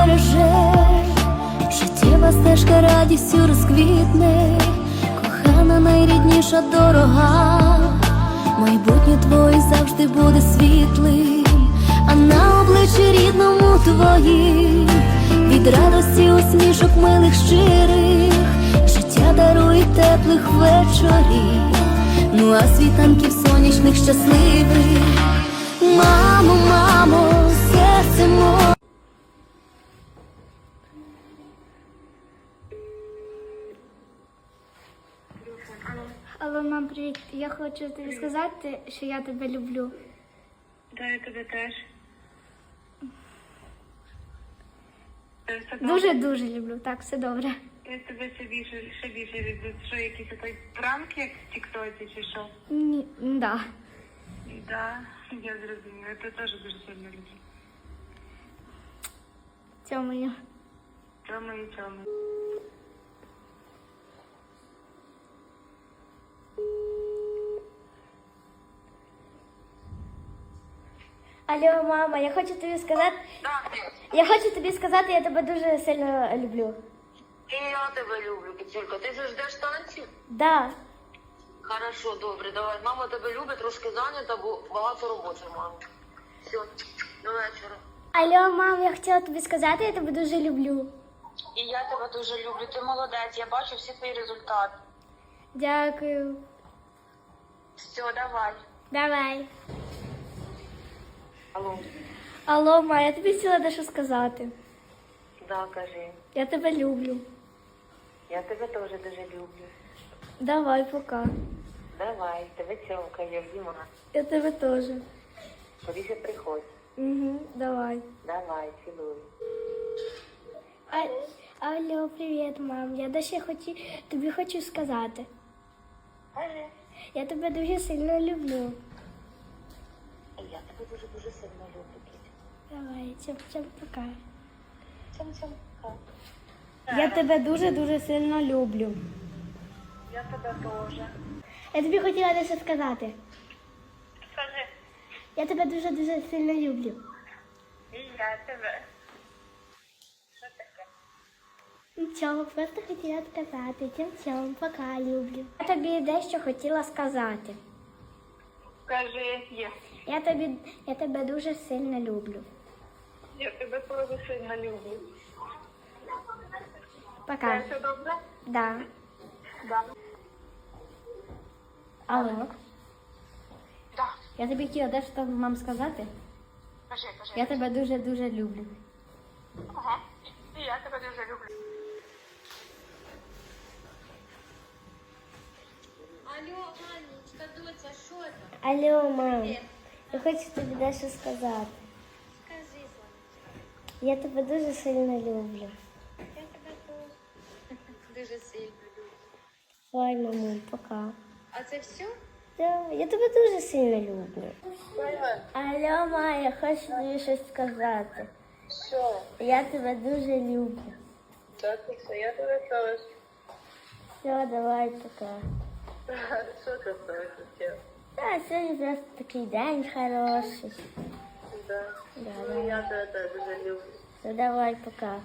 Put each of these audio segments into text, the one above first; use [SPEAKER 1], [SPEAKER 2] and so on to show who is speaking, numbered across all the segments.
[SPEAKER 1] збереже, життєва стежка радістю розквітне, кохана найрідніша дорога, майбутнє твоє завжди буде світлим, а на обличчі рідному твоїм від радості усмішок милих щирих, життя дарує теплих вечорів, ну а світанків сонячних щасливих. Мамо, мамо, серце моє.
[SPEAKER 2] Алло, мам, привіт. Я хочу тобі сказати, що я тебе люблю.
[SPEAKER 3] Да, я тебе теж.
[SPEAKER 2] Дуже-дуже люблю. Так, все добре.
[SPEAKER 3] Я тебе ще більше люблю. Що, якийсь той пранк, як в тіктоці, чи що?
[SPEAKER 2] Ні, да.
[SPEAKER 3] Да, я зрозуміла. Я тебе теж дуже сильно люблю.
[SPEAKER 2] Цьомаю.
[SPEAKER 3] Цьомаю.
[SPEAKER 2] Алло, мама, я хочу тобі сказати. Я тебе дуже сильно люблю.
[SPEAKER 4] І я тебе люблю, Кицюлька. Ти ж ждеш танців?
[SPEAKER 2] Да.
[SPEAKER 4] Хорошо, добре, давай. Мама тебе любить, трошки зайнята, бо багато роботи, мама. Все, до вечора.
[SPEAKER 2] Алло, мам, я хотіла тобі сказати, я тебе дуже люблю.
[SPEAKER 4] І я тебе дуже люблю. Ти молодець, я бачу всі твої результати.
[SPEAKER 2] Дякую.
[SPEAKER 4] Все, давай.
[SPEAKER 2] Давай.
[SPEAKER 4] Алло.
[SPEAKER 2] Алло, ма, я тобі хотіла дещо сказати.
[SPEAKER 4] Да, кажи.
[SPEAKER 2] Я тебе люблю.
[SPEAKER 4] Я тебе теж дуже люблю.
[SPEAKER 2] Давай, пока.
[SPEAKER 4] Давай, тебе цьомка, я Діма.
[SPEAKER 2] Я тебе теж.
[SPEAKER 4] Скоріше приходь.
[SPEAKER 2] Угу, давай.
[SPEAKER 4] Давай, цілую.
[SPEAKER 2] Алло, привіт, мам. Я дещо тобі хочу сказати.
[SPEAKER 4] Кажи.
[SPEAKER 2] Я тебе дуже сильно люблю.
[SPEAKER 4] І я тебе дуже сильно люблю, Кицю.
[SPEAKER 2] Давай, цьом, пока.
[SPEAKER 4] Цьом, пока.
[SPEAKER 2] Я тебе дуже сильно люблю.
[SPEAKER 3] Я тебе теж.
[SPEAKER 2] Я тобі хотіла дещо сказати.
[SPEAKER 3] Скажи.
[SPEAKER 2] Я тебе дуже сильно люблю.
[SPEAKER 3] І я тебе. Що таке?
[SPEAKER 2] Нічого, просто хотіла сказати. Цьом, пока, люблю. Я тобі дещо хотіла сказати.
[SPEAKER 3] Скажи, є.
[SPEAKER 2] Я тебе дуже сильно люблю.
[SPEAKER 3] Я тебе теж сильно люблю.
[SPEAKER 2] Пока.
[SPEAKER 3] Все добре?
[SPEAKER 2] Да.
[SPEAKER 3] Да.
[SPEAKER 2] Алло.
[SPEAKER 4] Да,
[SPEAKER 2] Я тобі хотіла дещо вам сказати.
[SPEAKER 4] кажи.
[SPEAKER 2] Я тебе дуже люблю.
[SPEAKER 4] Ага. І я тебе дуже люблю.
[SPEAKER 5] Алло, Анечка, доця, що там?
[SPEAKER 2] Алло, мам. Я хочу тобі дещо сказати.
[SPEAKER 5] Скажи, Сонечка.
[SPEAKER 2] Я тебе дуже сильно люблю.
[SPEAKER 5] Я тебе теж дуже сильно люблю.
[SPEAKER 2] Ой, мамо, пока.
[SPEAKER 5] А це все?
[SPEAKER 2] Да, я тебе дуже сильно люблю. Алло, ма, я хочу тобі щось сказати.
[SPEAKER 3] Що?
[SPEAKER 2] Я тебе дуже люблю.
[SPEAKER 3] Так, я тебе теж.
[SPEAKER 2] Все, давай, пока.
[SPEAKER 3] Що ти хотів?
[SPEAKER 2] Да, сьогодні просто такий день хороший.
[SPEAKER 3] Да.
[SPEAKER 2] Да.
[SPEAKER 3] Я тебе теж дуже люблю.
[SPEAKER 2] Все, давай, пока.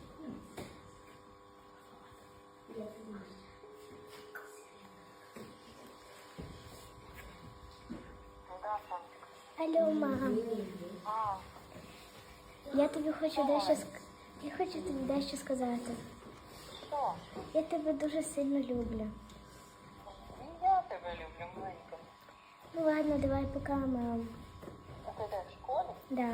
[SPEAKER 2] Алло, мам. Я тобі хочу дещо сказати.
[SPEAKER 4] Що?
[SPEAKER 2] Я тебе дуже сильно люблю.
[SPEAKER 4] Я тебе люблю, маленька.
[SPEAKER 2] Ну ладно, давай пока, мам.
[SPEAKER 4] А ти де, в школі?
[SPEAKER 2] Да.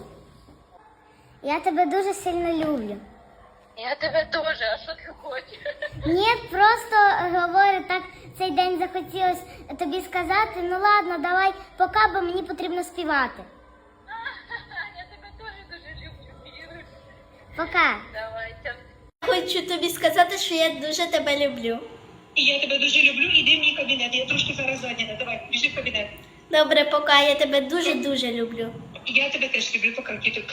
[SPEAKER 2] Я тебе дуже сильно люблю.
[SPEAKER 4] Я тебе теж, а що ти хочеш?
[SPEAKER 2] Ні, просто говорю, так цей день захотілося тобі сказати. Ну ладно, давай пока, бо мені потрібно співати.
[SPEAKER 4] Я тебе теж дуже люблю, Ігор.
[SPEAKER 2] Пока.
[SPEAKER 4] Давай,
[SPEAKER 2] Хочу тобі сказати, що я дуже тебе люблю.
[SPEAKER 6] І я тебе дуже люблю, іди в мій кабінет. Я трошки зараз зайнята. Давай, біжи в кабінет.
[SPEAKER 2] Добре, пока, я тебе дуже люблю.
[SPEAKER 6] Я тебе теж люблю, пока, кітонька.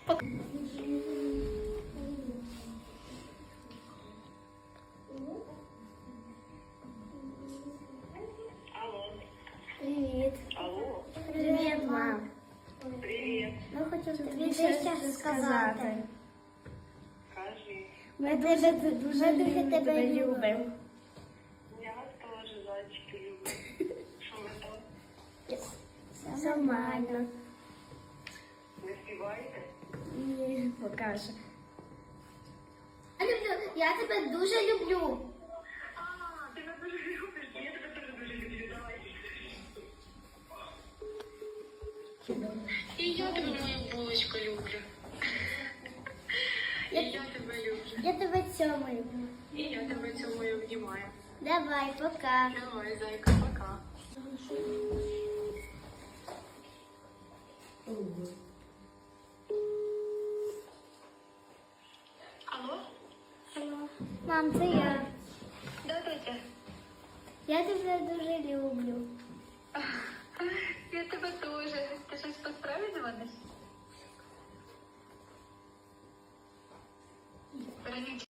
[SPEAKER 2] Привіт.
[SPEAKER 3] Алло.
[SPEAKER 2] Привіт, мам.
[SPEAKER 3] Привіт.
[SPEAKER 2] Ну, хочу тобі дещо сказати.
[SPEAKER 3] Кажи.
[SPEAKER 2] Ми дуже тебе любимо.
[SPEAKER 3] Я вас теж, зайчики, люблю. Що ви там?
[SPEAKER 2] Все нормально.
[SPEAKER 3] Не співаєте?
[SPEAKER 2] Ні, покаже. Я тебе дуже люблю.
[SPEAKER 3] А, ти мене дуже любиш. Я тебе теж дуже люблю. Давай.
[SPEAKER 5] І я тебе, моя булочка, люблю. І я тебе люблю.
[SPEAKER 2] Я тебе цьомаю.
[SPEAKER 5] І я тебе цілую, обнімаю.
[SPEAKER 2] Давай, пока.
[SPEAKER 5] Давай, зайка, пока. Алло?
[SPEAKER 2] Мам, це я.
[SPEAKER 5] Да, Тетя?
[SPEAKER 2] Я тебе дуже люблю.
[SPEAKER 5] Я тебе теж. Ти щось по справі дзвониш? Вероніч,